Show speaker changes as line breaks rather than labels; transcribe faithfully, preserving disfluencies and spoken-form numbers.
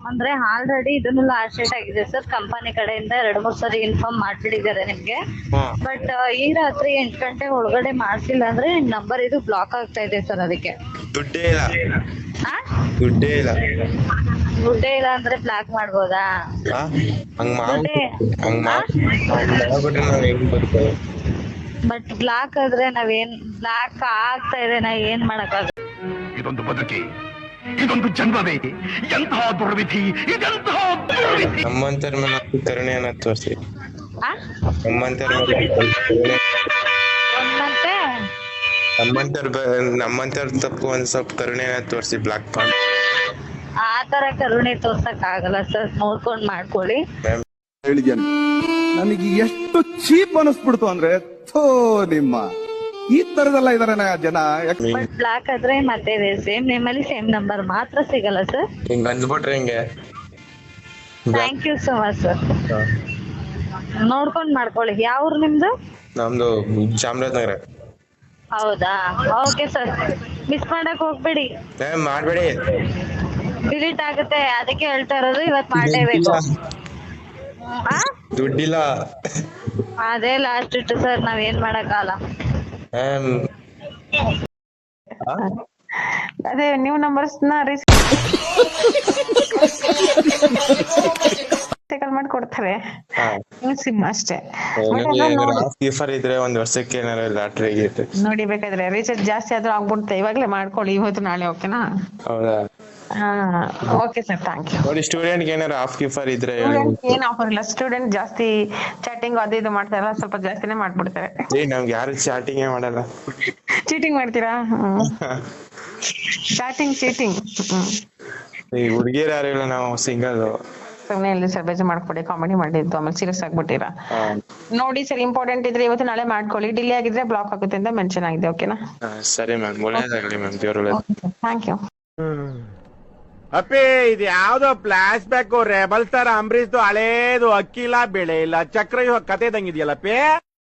ಅಂದ್ರೆ ಆಲ್ರೆಡಿ ಇದನ್ನು last date ಆಗಿದೆ ಸರ್. ಕಂಪನಿ ಕಡೆಯಿಂದ ಎರಡು ಮೂರು ಸರಿ ಇನ್ಫಾರ್ಮ್ ಮಾಡ್ಬಿಟ್ಟಿದ್ದಾರೆ ನಿಮ್ಗೆ. ಬಟ್ ಈ ರಾತ್ರಿ ಎಂಟು ಗಂಟೆ ಒಳಗಡೆ ಮಾಡ್ಸಿಲ್ಲ ಅಂದ್ರೆ ನಂಬರ್ ಇದು ಬ್ಲಾಕ್ ಆಗ್ತಾ ಇದೆ ಸರ್. ಅದಕ್ಕೆ
ದುಡ್ಡೇ ಇಲ್ಲ
ಆ?
ದುಡ್ಡೇ ಇಲ್ಲ
ದುಡ್ಡೇ ಇಲ್ಲ ಅಂದ್ರೆ ಬ್ಲಾಕ್ ಮಾಡ್ಬೋದಾ?
ಆ? ಹಂಗ್ ಮಾಡ್
ದುಡ್ಡೇ
ಹಂಗ್ ಮಾಡ್ ಹಂಗ್ ಮಾಡ್ಬಿಟ್ರೆ ನಾವ್ ಹೆಂಗ್ ಬದುಕೋದು?
ಬಟ್ ಬ್ಲಾಕ್ ಆದ್ರೆ ನಾವೇನ್ ಬ್ಲಾಕ್ ಆಗ್ತಾ ಇದೆ, ನಾ ಏನ್ ಮಾಡಕ್ಕಾಗ?
ಇದೊಂದು ಬದುಕಿ, ಇದೊಂದು ಜನ್ಮವೇ, ಎಂತಹ ದುರ್ವಿಧಿ, ಇದೆಂತಹ ದುರ್ವಿಧಿ.
ನಮ್ಮಂತರ ಮೇಲೆ ಕರುಣೆಯನ್ನ ತೋರಿಸಿ.
ಆ?
ನಮ್ಮಂತರ ಮೇಲೆ ಕರುಣೆ,
ಮತ್ತೆ
ನಮ್ಮಂತರ ನಮ್ಮಂತರ ತಪ್ಪು ಒಂದ್ ಸ್ವಲ್ಪ ಕರುಣೆಯನ್ನ ತೋರಿಸಿ. ಬ್ಲಾಕ್ ಪಾಯಿಂಟ್
ಆ ತರ ಕರುಣೆ ತೋರ್ಸಕ್ ಆಗಲ್ಲ ಸರ್. ನೋಡ್ಕೊಂಡ್ ಮಾಡ್ಕೊಳ್ಳಿ.
ಹೇಳಿದ್ಯಾನೆ ನನಗೆ ಎಷ್ಟು ಚೀಪ್ ಅನಿಸ್ಬಿಡ್ತು ಅಂದ್ರೆ ಥೋ ನಿಮ್ಮ ಈ ತರದೆಲ್ಲ ಇದಾರೆ ಜನ.
ಬಟ್ ಬ್ಲಾಕ್ ಆದ್ರೆ ಮತ್ತೆ ಸೇಮ್ ನೇಮಲ್ಲಿ ಸೇಮ್ ನಂಬರ್ ಮಾತ್ರ ಸಿಗಲ್ಲ ಸರ್.
ಹಿಂಗ್ ಅಂದ್ಬಿಟ್ರೆ ಹಿಂಗೆ.
Thank you so much sir. ನೋಡ್ಕೊಂಡ್ ಮಾಡ್ಕೊಳ್ಳಿ. ಯಾವ್ರು ನಿಮ್ದು?
ನಮ್ದು ಚಾಮರಾಜನಗರ.
ಹೌದಾ? Okay sir. ಮಿಸ್ ಮಾಡಕ್ ಹೋಗ್ಬೇಡಿ.
ಏ ಮಾಡ್ಬೇಡಿ,
ಡಿಲೀಟ್ ಆಗುತ್ತೆ. ಅದಕ್ಕೆ ಹೇಳ್ತಾ ಇರೋದು, ಇವತ್ ಮಾಡಲೇಬೇಕು. ಆ?
ದುಡ್ಡಿಲ್ಲ.
ಅದೇ ಲಾಸ್ಟ್ ಇಟ್ಟು ಸರ್, ನಾವ್ ಏನ್ ಮಾಡಕ್ಕಾಗಲ್ಲ.
ಆಮ್, ಆ?
ಅದೇ ನ್ಯೂ ನಂಬರ್ಸ್ ನ ರಿಸೈಕಲ್ ಮಾಡಿ ಕೊಡ್ತಾರೆ.
ಹಾ.
ಸಿಮ್ ಅಷ್ಟೇ.
ಗೀಫರ್ ಇದ್ರೆ ಒಂದ್ ವರ್ಷಕ್ಕೆ ಏನಾರ ಲಾಟ್ರಿ ಗೀಟ್ರಿ
ನೋಡಿ, ಬೇಕಾದ್ರೆ ರೀಚಾರ್ಜ್ ಜಾಸ್ತಿ ಆದ್ರೂ ಆಗ್ಬಿಡುತ್ತೆ. ಇವಾಗ್ಲೇ ಮಾಡ್ಕೊಳ್ಳಿ, ಇವತ್ತು ನಾಳೆ. ಓಕೆನಾ?
ಹೌದಾ?
ಹಾ, ಓಕೆ ಸರ್, ಥ್ಯಾಂಕ್ ಯು.
ನೋಡಿ, ಸ್ಟೂಡೆಂಟ್ ಏನಾರ ಆಫ್ ಗೀಫರ್ ಇದ್ರೆ ಹೇಳಿ.
ಏನ್ ಆಫರ್ ಇಲ್ಲ. ಸ್ಟೂಡೆಂಟ್ ಜಾಸ್ತಿ ಚಾಟಿಂಗ್ ಅದು ಇದು ಮಾಡ್ತಾರಲ್ಲ, ಸ್ವಲ್ಪ ಜಾಸ್ತಿನೇ ಮಾಡ್ಬಿಡ್ತಾರೆ.
ಏ ನಮ್ಗೆ ಯಾರು ಚಾಟಿಂಗ್ ಮಾಡಲ್ಲ.
ಚೀಟಿಂಗ್ ಮಾಡ್ತೀರಾ? Chatting cheating.
ಈ ಹುಡುಗಿಯರು ಯಾರು ಇಲ್ಲ, ನಾವು ಸಿಂಗಲ್.
ಸುಮ್ನೆ ಇಲ್ಲಿ ಸರ್ ಬೇಜಾರ್ ಮಾಡ್ಕೊಡಿ. ಕಾಮಿಡಿ ಮಾಡಿದ್ದು, ಆಮೇಲೆ ಸೀರಿಯಸ್ ಆಗ್ಬಿಟ್ಟಿರಾ. ನೋಡಿ ಸರ್, ಇಂಪಾರ್ಟೆಂಟ್ ಇದ್ರೆ ಇವತ್ತು ನಾಳೆ ಮಾಡ್ಕೊಳ್ಳಿ. ಡಿಲೇ ಆಗಿದ್ರೆ ಬ್ಲಾಕ್ ಆಗುತ್ತೆ ಅಂತ ಮೆನ್ಷನ್ ಆಗಿದೆ. ಓಕೆನಾ?
ಸರಿ ಮ್ಯಾಮ್, ಒಳ್ಳೇದಾಗಲಿ ಮ್ಯಾಮ್, ದೇವ್ರ.
Thank you.
ಅಪ್ಪಿ, ಇದು ಯಾವ್ದೋ ಫ್ಲಾಶ್ ಬ್ಯಾಕ್ ರೆಬಲ್ ಸ್ಟಾರ್ ಅಂಬರೀಶ್ದು ಹಳೇದು. ಅಕ್ಕಿ ಇಲ್ಲ, ಬೆಳೆ ಇಲ್ಲ, ಚಕ್ರ ಇವಾಗ ಕತೆ ಇದ್ದಂಗಿದ್ಯಲ್ಲಪ್ಪಿ.